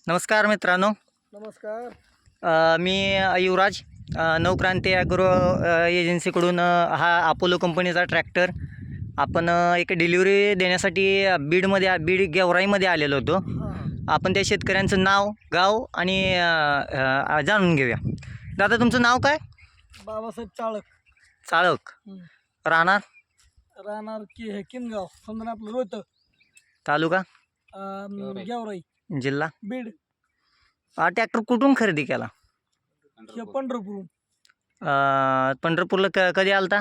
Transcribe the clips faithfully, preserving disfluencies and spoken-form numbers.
नमस्कार मित्रांनो. नमस्कार. अ, मी युवराज अ, नवक्रांती ॲग्रो अ, एजन्सीकडून अ, हा अपोलो कंपनीचा ट्रॅक्टर आपण अ, एक डिलिव्हरी देण्यासाठी अ, बीडमध्ये आ- बीड गेवराईमध्ये आलेलो होतो. हां आपण त्या शेतकऱ्यांचं नाव, गाव आणि अ, अ, जाणून घेऊया. दादा, तुमचं नाव काय? बाबासाहेब चाळक. चाळक. हं. राहणार? राहणार की हे किनगाव समजा आपलं रोहतक. तालुका? अं, गेवराई जिल्हा? बीड. हा ट्रॅक्टर कुठून खरेदी केला? हे पंढरपूर. अ, पंढरपूरला क कधी आलता?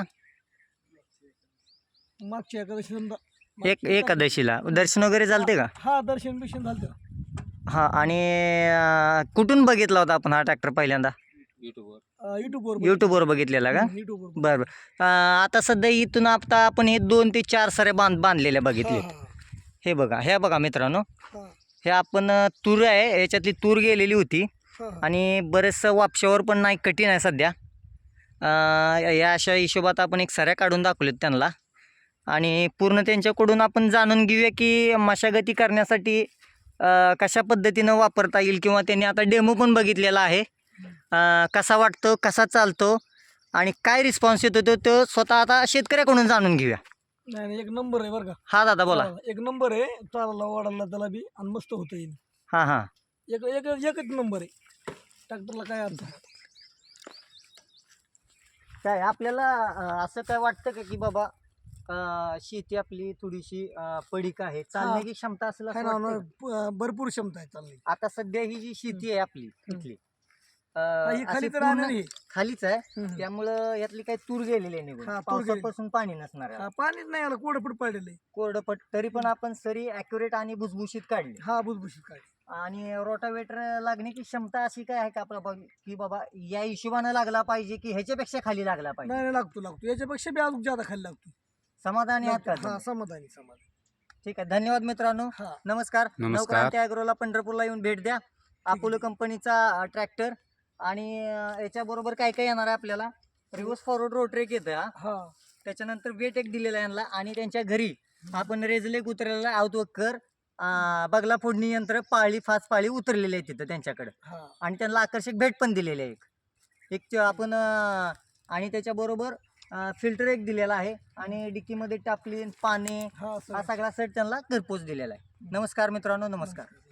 मागच्या एकादशी समजा एक एकादशीला दर्शन वगैरे झालते का? हा दर्शन बिर्शन झालं. हां. आणि अ, कुठून बघितला होता आपण हा ट्रॅक्टर पहिल्यांदा? युट्यूबवर यूट्यूबवर बघितलेला का? युट्यूबवर. बरं बरं. अ, आता सध्या इथून आता आपण हे दोन ते चार सारे बांध बांधलेल्या बघितले. हे बघा, हे बघा मित्रांनो, हे आपण अ, तूर आहे, याच्यातली तूर गेलेली होती आणि बरेचसं वापशावर पण नाही, कठीण आहे सध्या. अ, या अशा हिशोबात आपण एक सऱ्या काढून दाखवलेत त्यांना आणि पूर्ण त्यांच्याकडून आपण जाणून घेऊया की मशागती करण्यासाठी अ, कशा पद्धतीनं वापरता येईल, किंवा त्यांनी आता डेमो पण बघितलेला आहे. अ, कसा वाटतो, कसा चालतो आणि काय रिस्पॉन्स येतो तो तो स्वतः आता शेतकऱ्याकडून जाणून घेऊया. नाही नाही, एक नंबर आहे बरं का. हा दादा, बोला. हा, एक नंबर आहे. चालायला वाढायला त्याला बी आणि मस्त होतं येईल. हां हां. एक एक एकच नंबर आहे. ट्रॅक्टरला काय अर्थ नाही. काय आपल्याला अ, असं काय वाटतं का की बाबा अ, शेती आपली थोडीशी अ, पडीक आहे, चालण्याची क्षमता असेल असं आहे ना, वाटतं ना, का? प- भरपूर क्षमता आहे चालली. आता सध्या ही जी शेती आहे आपली इथली अ, हा, ही अशी खाली तर पूर्ण राहणार आहे. खालीच आहे, हम्म. त्यामुळं यातली काही तूर गेलेली आहे निघून, हा, तूर गेलेली. पावसापासून पाणी नसणार आहे. हा, पाणीच नाही आलं, कोरडपट पडलेलं आहे. कोरडपट तरी पण आपण सरी ॲक्युरेट आणि भुसभुशीत काढली. हा, भुसभुशीत काय. आणि रोटावेटर लागण्याची क्षमता अशी काय आहे का आपला बघ की बाबा या हिशोबानं लागला पाहिजे की ह्याच्यापेक्षा खाली लागला पाहिजे? नाही नाही, लागतो लागतो याच्यापेक्षा बी अजून ज्यादा खाली लागतो. समाधानी आहात का हा, तुम्ही? समाधानी समाधानी. ठीक आहे, धन्यवाद मित्रांनो. हा. नमस्कार. नमस्कार. नवक्रांती ॲग्रोला पंढरपूरला येऊन भेट द्या. अपोलो कंपनीचा ट्रॅक्टर आणि अ, याच्याबरोबर काय काय येणार आहे आपल्याला? रिव्हर्स फॉरवर्ड रोटरेक येतं हा. हा, त्याच्यानंतर वेट एक दिलेला आहे यांना, आणि त्यांच्या घरी आपण रेजलेक उतरलेला आउटवर्कर, बगला फोडणी यंत्र, पाळी फास पाळी उतरलेली आहे तिथं त्यांच्याकडे, हा. आणि त्यांना आकर्षक भेट पण दिलेली आहे. एक एक च- आपण अ, आणि त्याच्याबरोबर फिल्टर एक दिलेला आहे, आणि डिक्कीमध्ये टापली पाणी हा, हा सर. सगळा सेट त्यांना घरपोच दिलेला आहे. नमस्कार मित्रांनो, नमस्कार.